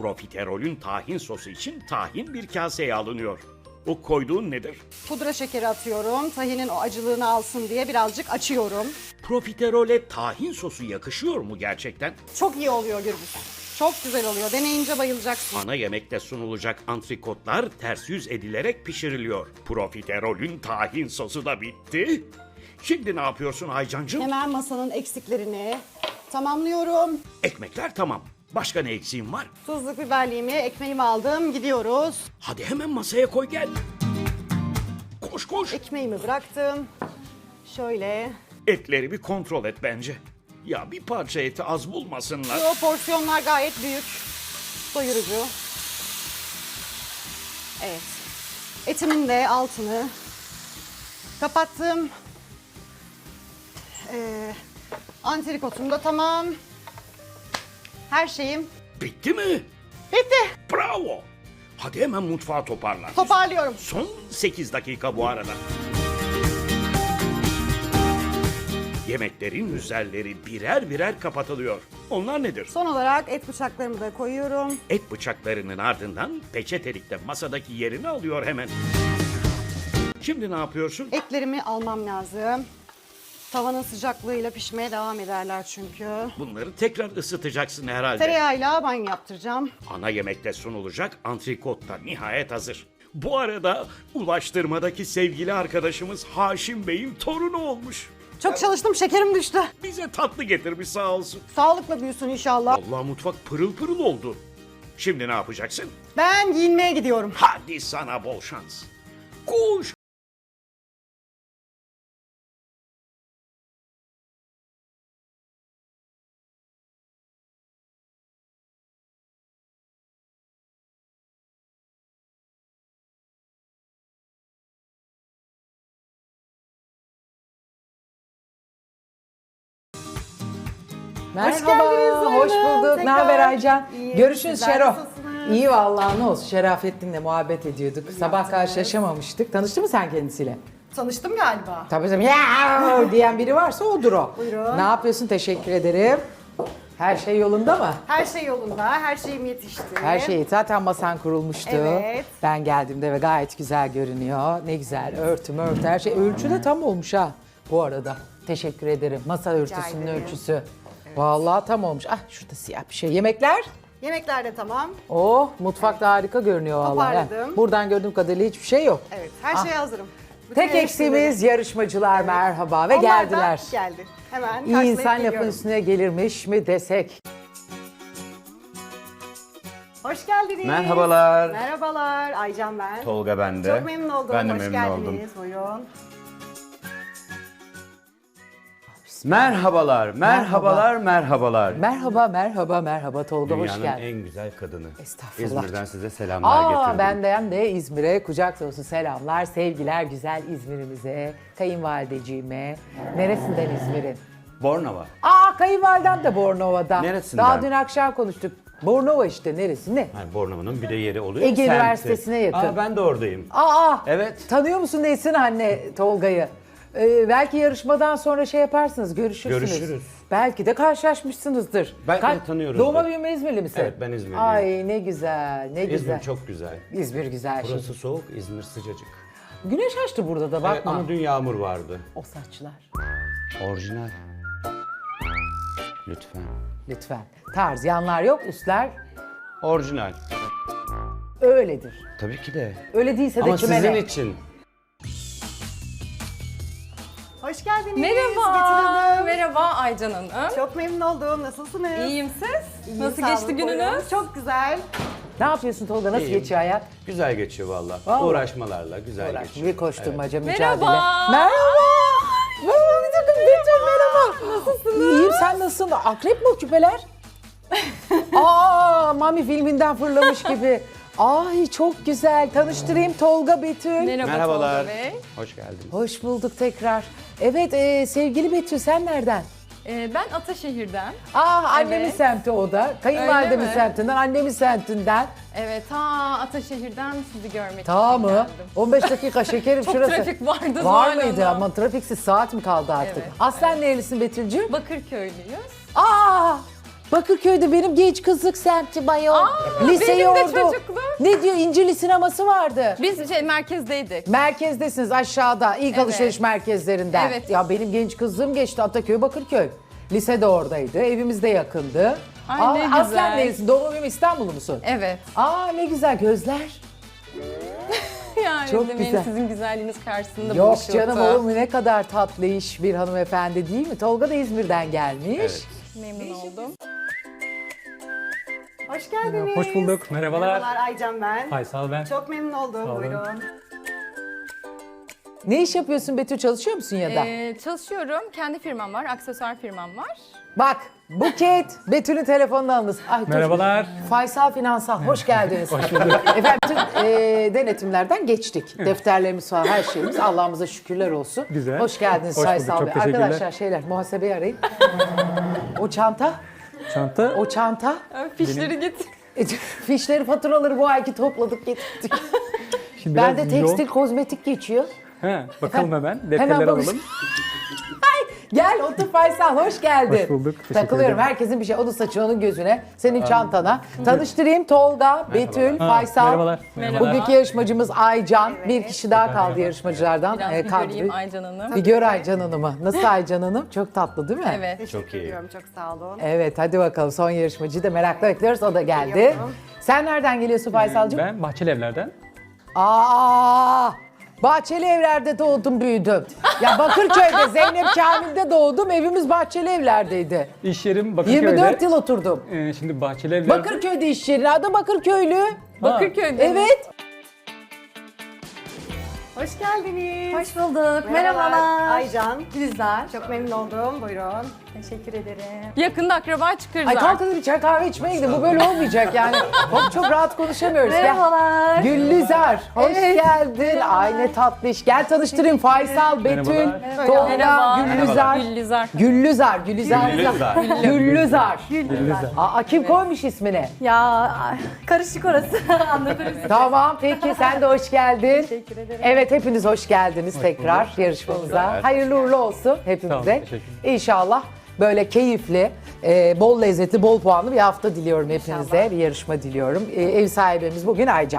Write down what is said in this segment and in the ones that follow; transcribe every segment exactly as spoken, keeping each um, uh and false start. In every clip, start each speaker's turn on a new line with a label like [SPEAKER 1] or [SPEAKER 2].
[SPEAKER 1] Profiterolün tahin sosu için tahin bir kaseye alınıyor. O koyduğun nedir?
[SPEAKER 2] Pudra şekeri atıyorum. Tahinin o acılığını alsın diye birazcık açıyorum.
[SPEAKER 1] Profiterole tahin sosu yakışıyor mu gerçekten?
[SPEAKER 2] Çok iyi oluyor Gürbüz. Çok güzel oluyor. Deneyince bayılacaksın.
[SPEAKER 1] Ana yemekte sunulacak antrikotlar ters yüz edilerek pişiriliyor. Profiterolün tahin sosu da bitti. Şimdi ne yapıyorsun Aycancığım?
[SPEAKER 2] Hemen masanın eksiklerini tamamlıyorum.
[SPEAKER 1] Ekmekler tamam. Başka ne eksiğin var?
[SPEAKER 2] Tuzluk biberliğimi, ekmeğimi aldım. Gidiyoruz.
[SPEAKER 1] Hadi hemen masaya koy gel. Koş koş.
[SPEAKER 2] Ekmeğimi bıraktım. Şöyle.
[SPEAKER 1] Etleri bir kontrol et bence. Ya bir parça eti az bulmasınlar.
[SPEAKER 2] O porsiyonlar gayet büyük. Doyurucu. Evet. Etimin de altını kapattım. Ee, antrikotum da tamam. Her şeyim
[SPEAKER 1] Bitti mi?
[SPEAKER 2] bitti.
[SPEAKER 1] Bravo. Hadi hemen mutfağı toparla.
[SPEAKER 2] Toparlıyorum.
[SPEAKER 1] Son sekiz dakika bu arada. Yemeklerin üzerleri birer birer kapatılıyor. Onlar nedir?
[SPEAKER 2] Son olarak et bıçaklarımı da koyuyorum.
[SPEAKER 1] Et bıçaklarının ardından peçetelikte masadaki yerini alıyor hemen. Şimdi ne yapıyorsun?
[SPEAKER 2] Etlerimi almam lazım. Tavanın sıcaklığıyla pişmeye devam ederler çünkü.
[SPEAKER 1] Bunları tekrar ısıtacaksın herhalde.
[SPEAKER 2] Tereyağıyla banyo yaptıracağım.
[SPEAKER 1] Ana yemekte sunulacak antrikot da nihayet hazır. Bu arada ulaştırmadaki sevgili arkadaşımız Haşim Bey'in torunu olmuş.
[SPEAKER 2] Çok çalıştım, şekerim düştü.
[SPEAKER 1] Bize tatlı getirmiş sağ olsun.
[SPEAKER 2] Sağlıkla büyüsün inşallah.
[SPEAKER 1] Allah mutfak pırıl pırıl oldu. Şimdi ne yapacaksın?
[SPEAKER 2] Ben giyinmeye gidiyorum.
[SPEAKER 1] Hadi sana bol şans. Koş.
[SPEAKER 3] Merhaba,
[SPEAKER 2] geldiniz
[SPEAKER 3] hoş
[SPEAKER 2] Zeynep.
[SPEAKER 3] bulduk. Ne
[SPEAKER 2] Tekrar.
[SPEAKER 3] haber Aycan?
[SPEAKER 2] İyiyim,
[SPEAKER 3] Görüşürüz
[SPEAKER 2] sizler
[SPEAKER 3] Şero.
[SPEAKER 2] nasılsınız?
[SPEAKER 3] İyi vallahi ne olsun. Şerafettin'le muhabbet ediyorduk. Sabah karşılaşamamıştık. Tanıştın mı sen kendisiyle?
[SPEAKER 2] Tanıştım galiba.
[SPEAKER 3] Tabii canım. Ya diyen biri varsa odur o.
[SPEAKER 2] Buyurun.
[SPEAKER 3] Ne yapıyorsun? Teşekkür ederim. Her şey yolunda mı?
[SPEAKER 2] Her şey yolunda, her şeyim yetişti.
[SPEAKER 3] Her şey zaten masan kurulmuştu.
[SPEAKER 2] Evet.
[SPEAKER 3] Ben geldiğimde ve gayet güzel görünüyor. Ne güzel örtü örtü her şey. Ölçü de tam olmuş ha bu arada. Teşekkür ederim. Masa örtüsünün
[SPEAKER 2] ederim.
[SPEAKER 3] ölçüsü. Vallahi tam olmuş. Ah şurada siyah bir şey. Yemekler?
[SPEAKER 2] Yemekler de tamam.
[SPEAKER 3] Oh mutfakta harika görünüyor vallahi.
[SPEAKER 2] Toparladım.
[SPEAKER 3] Buradan gördüğüm kadarıyla hiçbir şey yok.
[SPEAKER 2] Evet, her şeye hazırım. Bütün
[SPEAKER 3] Tek
[SPEAKER 2] eleştirileri-
[SPEAKER 3] eksiğimiz yarışmacılar merhaba ve
[SPEAKER 2] Onlar da
[SPEAKER 3] geldiler.
[SPEAKER 2] geldi. Hemen
[SPEAKER 3] İyi
[SPEAKER 2] karşılayıp
[SPEAKER 3] insan lafın
[SPEAKER 2] geliyorum.
[SPEAKER 3] üstüne gelirmiş mi desek.
[SPEAKER 2] Hoş geldiniz.
[SPEAKER 4] Merhabalar.
[SPEAKER 2] Merhabalar. Aycan ben.
[SPEAKER 4] Tolga ben de.
[SPEAKER 2] Çok memnun oldum.
[SPEAKER 4] Ben de
[SPEAKER 2] Hoş
[SPEAKER 4] memnun
[SPEAKER 2] geldiniz.
[SPEAKER 4] oldum.
[SPEAKER 2] Buyurun.
[SPEAKER 4] Merhabalar, merhabalar, merhabalar.
[SPEAKER 3] Merhaba merhaba merhaba Tolga hoş
[SPEAKER 4] Dünyanın
[SPEAKER 3] geldin.
[SPEAKER 4] en güzel kadını.
[SPEAKER 3] Estağfurullah.
[SPEAKER 4] İzmir'den size selamlar
[SPEAKER 3] Aa
[SPEAKER 4] getirdim.
[SPEAKER 3] benden de İzmir'e kucak dolusu selamlar, sevgiler güzel İzmir'imize, kayınvalideciğime. Neresinden İzmir'in?
[SPEAKER 4] Bornova.
[SPEAKER 3] Aa kayınvalidem de Bornova'da.
[SPEAKER 4] Neresinden?
[SPEAKER 3] Daha dün akşam konuştuk. Bornova işte neresi ne?
[SPEAKER 4] Yani Bornova'nın bir de yeri oluyor.
[SPEAKER 3] Ege
[SPEAKER 4] semti.
[SPEAKER 3] Üniversitesi'ne yakın.
[SPEAKER 4] Aa, ben de oradayım.
[SPEAKER 3] Aa
[SPEAKER 4] Evet.
[SPEAKER 3] tanıyor musun Nesin anne Tolga'yı? Ee, belki yarışmadan sonra şey yaparsınız, görüşürsünüz.
[SPEAKER 4] Görüşürüz.
[SPEAKER 3] Belki de karşılaşmışsınızdır.
[SPEAKER 4] Belki de tanıyoruzdur.
[SPEAKER 3] Doğma büyüme İzmirli misin?
[SPEAKER 4] Evet, ben İzmirliyim.
[SPEAKER 3] Ay ne güzel, ne güzel.
[SPEAKER 4] İzmir çok güzel.
[SPEAKER 3] İzmir güzel şey.
[SPEAKER 4] Burası soğuk, İzmir sıcacık.
[SPEAKER 3] Güneş açtı burada da
[SPEAKER 4] Evet,
[SPEAKER 3] bakma.
[SPEAKER 4] ama dün yağmur vardı.
[SPEAKER 3] O saçlar.
[SPEAKER 4] Orijinal. Lütfen.
[SPEAKER 3] Lütfen. Tarz, yanlar yok, üstler
[SPEAKER 4] Orijinal.
[SPEAKER 3] öyledir.
[SPEAKER 4] Tabii ki de.
[SPEAKER 3] Öyle değilse de
[SPEAKER 4] Ama
[SPEAKER 3] kime
[SPEAKER 4] sizin
[SPEAKER 3] ne?
[SPEAKER 4] için.
[SPEAKER 2] Hoş geldiniz.
[SPEAKER 5] Merhaba,
[SPEAKER 2] Betül Hanım.
[SPEAKER 5] merhaba Aycan Hanım.
[SPEAKER 2] Çok memnun oldum. Nasılsınız?
[SPEAKER 5] İyiyim siz?
[SPEAKER 2] İyiyim,
[SPEAKER 5] Nasıl
[SPEAKER 2] sağ
[SPEAKER 5] geçti
[SPEAKER 2] olun,
[SPEAKER 5] gününüz?
[SPEAKER 2] buyurun. Çok güzel.
[SPEAKER 3] Ne yapıyorsun Tolga? Nasıl
[SPEAKER 4] İyiyim.
[SPEAKER 3] geçiyor hayat?
[SPEAKER 4] Güzel geçiyor valla.
[SPEAKER 3] Vallahi.
[SPEAKER 4] Uğraşmalarla güzel
[SPEAKER 3] Uğraş,
[SPEAKER 4] geçiyor.
[SPEAKER 3] bir koşturmaca,
[SPEAKER 5] Merhaba.
[SPEAKER 3] mücadele. Merhaba. Merhaba. Bir takım Betül merhaba. Nasılsınız? İyiyim sen nasılsın? Akrep mi o küpeler? Aa Mami filminden fırlamış gibi. Ay çok güzel. Tanıştırayım Tolga Betül.
[SPEAKER 5] Merhaba
[SPEAKER 4] Merhabalar.
[SPEAKER 5] Tolga Bey.
[SPEAKER 4] Hoş geldiniz.
[SPEAKER 3] Hoş bulduk tekrar. Evet e, sevgili Betül sen nereden?
[SPEAKER 5] Ee, ben Ataşehir'den.
[SPEAKER 3] Aa annemin
[SPEAKER 5] Evet.
[SPEAKER 3] semti o da. Kayınvalidemin
[SPEAKER 5] Öyle mi?
[SPEAKER 3] semtinden, annemin semtinden.
[SPEAKER 5] Evet, ta Ataşehir'den sizi görmek
[SPEAKER 3] Ta
[SPEAKER 5] için
[SPEAKER 3] mı?
[SPEAKER 5] geldim.
[SPEAKER 3] on beş dakika şekerim
[SPEAKER 5] Çok
[SPEAKER 3] şurası.
[SPEAKER 5] trafik vardı
[SPEAKER 3] Var
[SPEAKER 5] Zuhal
[SPEAKER 3] mıydı
[SPEAKER 5] Hanım.
[SPEAKER 3] ama trafiksiz saat mi kaldı artık?
[SPEAKER 5] Evet,
[SPEAKER 3] Aslen nerelisin Betül'cüğüm?
[SPEAKER 5] Bakırköylüyüz.
[SPEAKER 3] Aa! Bakırköy'de benim genç kızlık semti bayol. Liseyi
[SPEAKER 5] benim de
[SPEAKER 3] orada.
[SPEAKER 5] çocukluğum.
[SPEAKER 3] Ne diyor? İncirli sineması vardı.
[SPEAKER 5] Biz şey merkezdeydik.
[SPEAKER 3] Merkezdesiniz aşağıda. İlk
[SPEAKER 5] Evet.
[SPEAKER 3] alışveriş merkezlerinden.
[SPEAKER 5] Evet.
[SPEAKER 3] Ya benim genç kızlığım geçti Ataköy, Bakırköy. Lise de oradaydı. Evimiz de yakındı.
[SPEAKER 5] Ay, ne
[SPEAKER 3] Aslen
[SPEAKER 5] güzel.
[SPEAKER 3] neresi? Doğma büyüme İstanbullu musun?
[SPEAKER 5] Evet.
[SPEAKER 3] Aa ne güzel gözler.
[SPEAKER 5] Yani
[SPEAKER 3] Çok
[SPEAKER 5] demeyin,
[SPEAKER 3] güzel.
[SPEAKER 5] sizin güzelliğiniz karşısında
[SPEAKER 3] Yok
[SPEAKER 5] buluşuldu.
[SPEAKER 3] canım olur mu, ne kadar tatlı iş bir hanımefendi değil mi? Tolga da İzmir'den gelmiş.
[SPEAKER 4] Evet.
[SPEAKER 5] Memnun oldum.
[SPEAKER 2] Hoş geldiniz.
[SPEAKER 6] Hoş bulduk, merhabalar.
[SPEAKER 2] Merhabalar Aycan ben.
[SPEAKER 6] Faysal ben.
[SPEAKER 2] Çok memnun oldum.
[SPEAKER 6] olun.
[SPEAKER 2] Buyurun.
[SPEAKER 3] Ne iş yapıyorsun Betül, çalışıyor musun ya da?
[SPEAKER 5] Ee, çalışıyorum. Kendi firmam var. Aksesuar firmam var.
[SPEAKER 3] Bak Buket, Betül'ün telefonunu alınız. Ay, dur.
[SPEAKER 6] Merhabalar.
[SPEAKER 3] Faysal Finansal, hoş geldiniz.
[SPEAKER 6] Hoş bulduk.
[SPEAKER 3] Efendim bütün e, denetimlerden geçtik. Defterlerimiz var, her şeyimiz. Allah'ımıza şükürler olsun.
[SPEAKER 6] Güzel.
[SPEAKER 3] Hoş geldiniz
[SPEAKER 6] Hoş bulduk,
[SPEAKER 3] Faysal
[SPEAKER 6] çok
[SPEAKER 3] Bey.
[SPEAKER 6] teşekkürler.
[SPEAKER 3] Arkadaşlar şeyler, muhasebeyi arayın. O çanta,
[SPEAKER 6] Çanta.
[SPEAKER 3] o çanta.
[SPEAKER 5] Fişleri git.
[SPEAKER 3] E, Fişleri, faturaları bu ayki topladık, getirdik.
[SPEAKER 6] Şimdi
[SPEAKER 3] Ben de
[SPEAKER 6] biraz
[SPEAKER 3] tekstil,
[SPEAKER 6] yoğun.
[SPEAKER 3] kozmetik geçiyor.
[SPEAKER 6] He, bakalım hemen.
[SPEAKER 3] Hemen
[SPEAKER 6] Defterleri
[SPEAKER 3] bak-
[SPEAKER 6] alalım.
[SPEAKER 3] Gel otur Faysal, hoş geldin.
[SPEAKER 6] Hoş bulduk, teşekkür
[SPEAKER 3] Takılıyorum,
[SPEAKER 6] ederim.
[SPEAKER 3] herkesin bir şey. Onun saçı, onun gözüne, senin çantana. Tanıştırayım, Tolga, Betül,
[SPEAKER 6] Ha,
[SPEAKER 3] Faysal.
[SPEAKER 6] merhabalar, merhabalar.
[SPEAKER 3] Bugünkü yarışmacımız Aycan. Bir kişi daha kaldı yarışmacılardan.
[SPEAKER 5] Biraz
[SPEAKER 3] Ee,
[SPEAKER 5] bir
[SPEAKER 3] kadro-
[SPEAKER 5] göreyim Aycan Hanım.
[SPEAKER 3] Bir gör Aycan Hanım'ı. Nasıl Aycan Hanım? Çok tatlı değil mi?
[SPEAKER 5] Evet.
[SPEAKER 2] Teşekkür
[SPEAKER 4] Çok iyi.
[SPEAKER 2] ediyorum. Çok sağ olun.
[SPEAKER 3] Evet, hadi bakalım son yarışmacıyı da merakla bekliyoruz. O da geldi.
[SPEAKER 2] Geliyorum.
[SPEAKER 3] Sen nereden geliyorsun Faysal'cığım?
[SPEAKER 6] Ben Bahçeli Evler'den.
[SPEAKER 3] Aa, Bahçeli Evler'de doğdum, büyüdüm. Ya Bakırköy'de, Zeynep Kamil'de doğdum. Evimiz Bahçeli Evler'deydi.
[SPEAKER 6] İş yerim Bakırköy'de.
[SPEAKER 3] yirmi dört yıl oturdum.
[SPEAKER 6] Ee, şimdi Bahçeli Evler'de.
[SPEAKER 3] Bakırköy'de iş yeri. Adı Bakırköylü.
[SPEAKER 5] Bakırköy'de mi?
[SPEAKER 3] Evet.
[SPEAKER 2] Hoş geldiniz.
[SPEAKER 7] Hoş bulduk. Merhabalar.
[SPEAKER 2] Aycan.
[SPEAKER 7] Güzel.
[SPEAKER 2] Çok memnun oldum. Buyurun.
[SPEAKER 7] Teşekkür ederim.
[SPEAKER 5] Yakında akraba çıkarız
[SPEAKER 3] Ay kalk
[SPEAKER 5] artık.
[SPEAKER 3] hadi bir çay kahve içmeye gidelim. Bu böyle olmayacak yani. Çok, çok rahat konuşamıyoruz. Gel.
[SPEAKER 7] Merhabalar.
[SPEAKER 3] Güllüzar, hoş
[SPEAKER 7] Evet.
[SPEAKER 3] geldin. Ay ne tatlı iş. Gel tanıştırayım. Faysal, Betül,
[SPEAKER 6] Merhabalar.
[SPEAKER 3] Tolga,
[SPEAKER 5] Merhaba.
[SPEAKER 3] Güllüzar.
[SPEAKER 5] Güllüzar.
[SPEAKER 3] Güllüzar, Güllüzar.
[SPEAKER 4] Güllüzar.
[SPEAKER 3] Güllüzar.
[SPEAKER 6] Güllüzar.
[SPEAKER 3] Aa, kim koymuş ismini?
[SPEAKER 7] Ya ay, karışık orası. Anlatırız.
[SPEAKER 3] Tamam, peki sen de hoş geldin.
[SPEAKER 7] Teşekkür ederim.
[SPEAKER 3] Evet, hepiniz hoş geldiniz tekrar yarışmamıza.
[SPEAKER 4] bulduk.
[SPEAKER 3] Hayırlı uğurlu olsun
[SPEAKER 6] Sağ olun,
[SPEAKER 3] hepimize.
[SPEAKER 6] teşekkür
[SPEAKER 3] İnşallah böyle keyifli, e, bol lezzetli, bol puanlı bir hafta diliyorum hepinize. Bir yarışma diliyorum. E, ev sahibimiz bugün Aycan.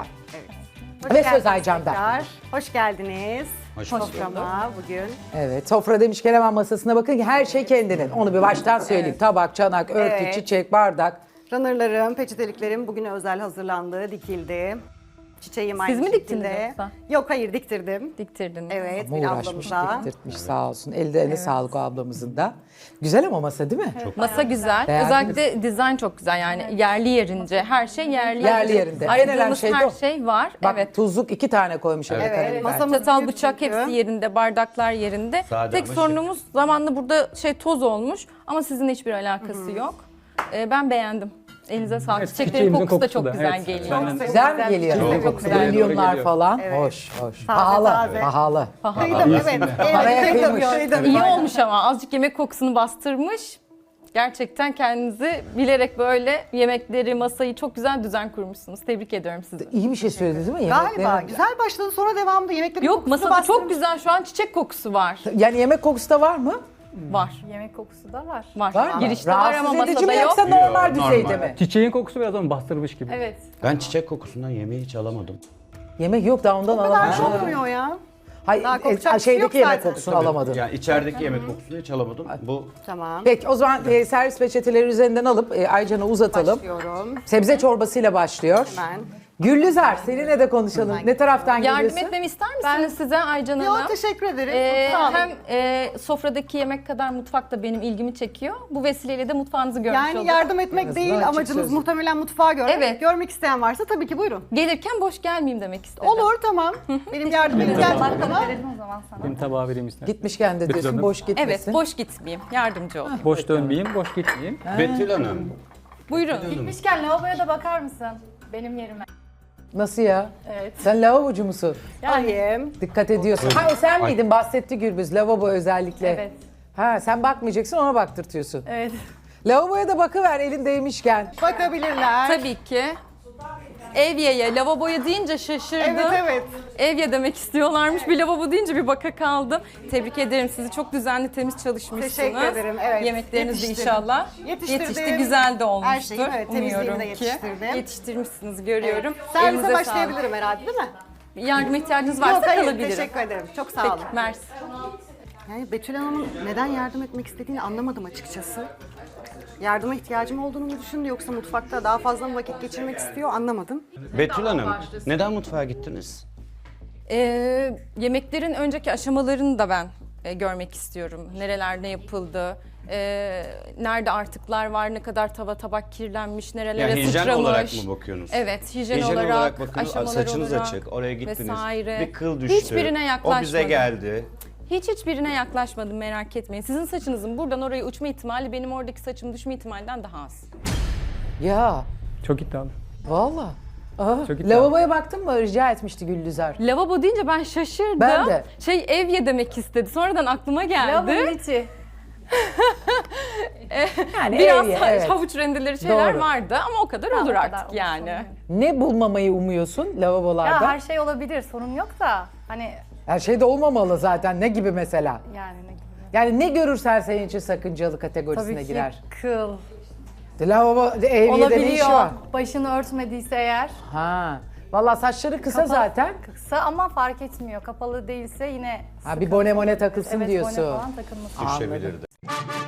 [SPEAKER 2] Hoş
[SPEAKER 3] Ve söz
[SPEAKER 2] geldiniz
[SPEAKER 3] Aycan'da.
[SPEAKER 2] tekrar. Hoş geldiniz.
[SPEAKER 4] Hoş bulduk.
[SPEAKER 2] Soframa bugün.
[SPEAKER 3] Evet, sofra demişken hemen masasına bakın ki her şey kendinin. Onu bir baştan söyleyeyim. Tabak, çanak, örtü,
[SPEAKER 2] Evet.
[SPEAKER 3] çiçek, bardak.
[SPEAKER 2] Runnerlarım, peçeteliklerim bugüne özel hazırlandı, dikildi. Çiçeğim aynı
[SPEAKER 5] Siz mi
[SPEAKER 2] şekilde.
[SPEAKER 5] diktiniz yoksa?
[SPEAKER 2] Yok hayır diktirdim.
[SPEAKER 5] Diktirdiniz.
[SPEAKER 2] Evet,
[SPEAKER 3] Ama
[SPEAKER 2] bir
[SPEAKER 3] uğraşmış,
[SPEAKER 2] ablamıza.
[SPEAKER 3] diktirtmiş sağ olsun. Elde eline sağlık o ablamızın da. Güzel ama masa değil mi?
[SPEAKER 5] Masa güzel.
[SPEAKER 3] Beğendiniz
[SPEAKER 5] Özellikle dizayn çok güzel yani yerli yerince. Her şey yerli.
[SPEAKER 3] Yerli yerinde.
[SPEAKER 5] Aradığımız
[SPEAKER 3] En önemli şey de
[SPEAKER 5] her
[SPEAKER 3] o.
[SPEAKER 5] şey var.
[SPEAKER 3] Bak
[SPEAKER 5] evet.
[SPEAKER 3] tuzluk iki tane koymuş. Evet.
[SPEAKER 2] Evet, masamız
[SPEAKER 5] Çatal,
[SPEAKER 2] büyük
[SPEAKER 5] bıçak
[SPEAKER 2] çünkü.
[SPEAKER 5] hepsi yerinde, bardaklar yerinde.
[SPEAKER 4] Sade
[SPEAKER 5] Tek
[SPEAKER 4] ama
[SPEAKER 5] sorunumuz zamanla burada şey toz olmuş ama sizinle hiçbir alakası yok. Ee, ben beğendim. Elinize sağlık.
[SPEAKER 6] Evet,
[SPEAKER 5] Çiçeklerin
[SPEAKER 6] çiçeğimizin
[SPEAKER 5] kokusu da
[SPEAKER 6] kokusu
[SPEAKER 5] çok
[SPEAKER 6] da,
[SPEAKER 5] güzel
[SPEAKER 6] evet.
[SPEAKER 5] geliyor.
[SPEAKER 6] Benden de.
[SPEAKER 3] Güzel mi geliyor?
[SPEAKER 6] Çok
[SPEAKER 3] Evet.
[SPEAKER 6] güzel.
[SPEAKER 3] Milyonlar
[SPEAKER 6] Geliyor.
[SPEAKER 3] falan.
[SPEAKER 2] Evet.
[SPEAKER 3] Hoş, hoş.
[SPEAKER 2] Taze,
[SPEAKER 3] Pahalı,
[SPEAKER 2] taze.
[SPEAKER 3] pahalı.
[SPEAKER 2] Kıydım, evet.
[SPEAKER 3] Paraya
[SPEAKER 2] Evet, kıydım,
[SPEAKER 3] kıymış.
[SPEAKER 2] kıydım.
[SPEAKER 5] İyi olmuş ama azıcık yemek kokusunu bastırmış. Gerçekten kendinizi bilerek böyle yemekleri, masayı çok güzel düzen kurmuşsunuz. Tebrik ediyorum sizi.
[SPEAKER 3] İyi bir şey söyledi değil mi?
[SPEAKER 2] Galiba
[SPEAKER 3] Yemeklerin-
[SPEAKER 2] güzel başladı sonra devamında yemeklerin
[SPEAKER 5] Yok
[SPEAKER 2] kokusunu
[SPEAKER 5] masada çok
[SPEAKER 2] bastırmış.
[SPEAKER 5] güzel şu an çiçek kokusu var.
[SPEAKER 3] Yani yemek kokusu da var mı?
[SPEAKER 5] Var.
[SPEAKER 7] Yemek kokusu da var.
[SPEAKER 5] Var.
[SPEAKER 3] Var mı?
[SPEAKER 5] Girişte var ama
[SPEAKER 3] Rahatsız edici
[SPEAKER 5] masada
[SPEAKER 3] mi
[SPEAKER 5] yok.
[SPEAKER 3] yoksa normal
[SPEAKER 4] Yok,
[SPEAKER 3] düzeyde
[SPEAKER 4] normal.
[SPEAKER 3] mi?
[SPEAKER 6] Çiçeğin kokusu biraz onu bastırmış gibi.
[SPEAKER 7] Evet.
[SPEAKER 4] Ben çiçek kokusundan yemeği hiç alamadım.
[SPEAKER 3] Yemek yok da ondan
[SPEAKER 2] O kadar
[SPEAKER 3] alamadım.
[SPEAKER 2] kokmuyor ya.
[SPEAKER 3] Hayır,
[SPEAKER 2] Daha
[SPEAKER 3] e,
[SPEAKER 2] kokacak bir şey
[SPEAKER 3] şeydeki
[SPEAKER 2] yok
[SPEAKER 3] yemek
[SPEAKER 2] zaten.
[SPEAKER 3] kokusunu alamadın.
[SPEAKER 4] Yani içerideki yemek kokusunu hiç alamadım. Bu
[SPEAKER 2] Tamam.
[SPEAKER 3] Peki o zaman e, servis peçeteleri üzerinden alıp e, Aycan'a uzatalım.
[SPEAKER 2] Başlıyorum.
[SPEAKER 3] Sebze çorbasıyla başlıyor.
[SPEAKER 2] Hemen.
[SPEAKER 3] Güllüzar seninle de konuşalım. Ne taraftan
[SPEAKER 5] Yardım
[SPEAKER 3] geliyorsun?
[SPEAKER 5] etmemi ister misiniz size Aycan Hanım?
[SPEAKER 2] Yok teşekkür ederim.
[SPEAKER 5] Ee,
[SPEAKER 2] Sağ olun.
[SPEAKER 5] hem e, sofradaki yemek kadar mutfak da benim ilgimi çekiyor. Bu vesileyle de mutfağınızı görmüş
[SPEAKER 2] Yani
[SPEAKER 5] olduk.
[SPEAKER 2] yardım etmek
[SPEAKER 3] azından
[SPEAKER 2] değil
[SPEAKER 3] açık
[SPEAKER 2] amacınız
[SPEAKER 3] sözlü.
[SPEAKER 2] muhtemelen mutfağı görmek.
[SPEAKER 5] Evet.
[SPEAKER 2] Görmek isteyen varsa tabii ki buyurun.
[SPEAKER 5] Gelirken boş gelmeyeyim demek istedim.
[SPEAKER 2] Olur tamam. Benim yardım ihtiyacım var ama.
[SPEAKER 7] Verelim o zaman sana.
[SPEAKER 6] Benim tabağı vereyim ister.
[SPEAKER 3] Gitmişken de
[SPEAKER 6] Betül
[SPEAKER 3] diyorsun
[SPEAKER 6] Hanım.
[SPEAKER 3] boş gitmesin.
[SPEAKER 5] Evet, boş gitmeyeyim. Yardımcı olayım.
[SPEAKER 6] Boş dönmeyeyim, boş gitmeyeyim.
[SPEAKER 4] Betül Hanım.
[SPEAKER 5] Buyurun.
[SPEAKER 7] Gitmişken lavaboya da bakar mısın? Benim yerime.
[SPEAKER 3] Nasıl ya?
[SPEAKER 7] Evet.
[SPEAKER 3] Sen lavabocu musun?
[SPEAKER 2] Alayım.
[SPEAKER 3] Dikkat ediyorsun. Hayır sen miydin? Bahsetti Gürbüz lavabo özellikle.
[SPEAKER 7] Evet.
[SPEAKER 3] Ha sen bakmayacaksın ona baktırtıyorsun.
[SPEAKER 7] Evet.
[SPEAKER 3] Lavaboya da bakıver elin değmişken.
[SPEAKER 2] Bakabilirler.
[SPEAKER 5] Tabii ki. Evye'ye, lavaboya deyince şaşırdım.
[SPEAKER 2] Evet evet.
[SPEAKER 5] Evye demek istiyorlarmış. Bir lavabo deyince bir baka kaldım. Tebrik ederim sizi. Çok düzenli, temiz çalışmışsınız.
[SPEAKER 2] Teşekkür ederim, evet.
[SPEAKER 5] Yemekleriniz de
[SPEAKER 2] Yetiştirdim.
[SPEAKER 5] inşallah
[SPEAKER 2] Yetiştirdim.
[SPEAKER 5] yetişti. Güzel de olmuştur.
[SPEAKER 2] Her şeyi, evet, temizliğini
[SPEAKER 5] Umuyorum
[SPEAKER 2] de
[SPEAKER 5] ki.
[SPEAKER 2] yetiştirdim.
[SPEAKER 5] Yetiştirmişsiniz, görüyorum.
[SPEAKER 2] Servise
[SPEAKER 5] Elinize
[SPEAKER 2] başlayabilirim herhalde değil mi?
[SPEAKER 5] sağlık. Yardıma ihtiyacınız varsa
[SPEAKER 2] Yok hayır,
[SPEAKER 5] kalabilirim.
[SPEAKER 2] teşekkür ederim. Çok sağ
[SPEAKER 5] Peki,
[SPEAKER 2] olun.
[SPEAKER 5] mersi.
[SPEAKER 2] Yani Betül Hanım'ın neden yardım etmek istediğini anlamadım açıkçası. Yardıma ihtiyacım olduğunu mu düşündü yoksa mutfakta daha fazla mı vakit geçirmek istiyor anlamadım.
[SPEAKER 4] Betül Hanım, neden mutfağa gittiniz?
[SPEAKER 5] Ee, yemeklerin önceki aşamalarını da ben e, görmek istiyorum. Nereler ne yapıldı, e, nerede artıklar var, ne kadar tava tabak kirlenmiş, nerelere
[SPEAKER 4] Yani hijyen
[SPEAKER 5] sıçramış.
[SPEAKER 4] olarak mı bakıyorsunuz?
[SPEAKER 5] Evet, hijyen,
[SPEAKER 4] Hijyen
[SPEAKER 5] olarak,
[SPEAKER 4] olarak bakın,
[SPEAKER 5] aşamalar
[SPEAKER 4] saçınız
[SPEAKER 5] olarak
[SPEAKER 4] açık, oraya gittiniz.
[SPEAKER 5] vesaire.
[SPEAKER 4] Bir kıl düştü.
[SPEAKER 5] Hiçbirine yaklaşmadım.
[SPEAKER 4] O bize geldi.
[SPEAKER 5] Hiç hiçbirine yaklaşmadım, merak etmeyin. Sizin saçınızın buradan oraya uçma ihtimali benim oradaki saçım düşme ihtimalinden daha az.
[SPEAKER 3] Ya
[SPEAKER 6] Çok iddialı.
[SPEAKER 3] valla. Aha.
[SPEAKER 6] Çok iddialı.
[SPEAKER 3] Lavaboya baktın mı? Rica etmişti Güllüzar.
[SPEAKER 5] Lavabo deyince ben şaşırdım.
[SPEAKER 3] Ben de.
[SPEAKER 5] Şey evye demek istedi. Sonradan aklıma geldi.
[SPEAKER 7] Lavabonun içi.
[SPEAKER 3] Yani
[SPEAKER 5] Biraz
[SPEAKER 3] evye,
[SPEAKER 5] ha-
[SPEAKER 3] evet.
[SPEAKER 5] havuç rendeleri şeyler
[SPEAKER 3] Doğru.
[SPEAKER 5] vardı ama o kadar
[SPEAKER 7] Ha,
[SPEAKER 5] olur
[SPEAKER 7] o kadar
[SPEAKER 5] artık
[SPEAKER 7] olur,
[SPEAKER 5] yani.
[SPEAKER 7] sorun yok.
[SPEAKER 3] Ne bulmamayı umuyorsun lavabolarda?
[SPEAKER 7] Ya her şey olabilir, sorun yok da hani
[SPEAKER 3] Her şey de olmamalı zaten. Ne gibi mesela?
[SPEAKER 7] yani ne gibi.
[SPEAKER 3] Yani ne görürsen senin için sakıncalı kategorisine
[SPEAKER 7] Tabii ki
[SPEAKER 3] girer.
[SPEAKER 7] kıl.
[SPEAKER 3] Lavabo evyede ne işi
[SPEAKER 7] Olabiliyor.
[SPEAKER 3] var?
[SPEAKER 7] Başını örtmediyse eğer.
[SPEAKER 3] Ha. Vallahi saçları kısa
[SPEAKER 7] Kapalı-
[SPEAKER 3] zaten.
[SPEAKER 7] Kısa ama fark etmiyor. Kapalı değilse yine
[SPEAKER 3] Ha bir bone mone takılsın
[SPEAKER 7] evet,
[SPEAKER 3] diyorsun.
[SPEAKER 7] bone falan takılması.
[SPEAKER 4] Düşebilirdi.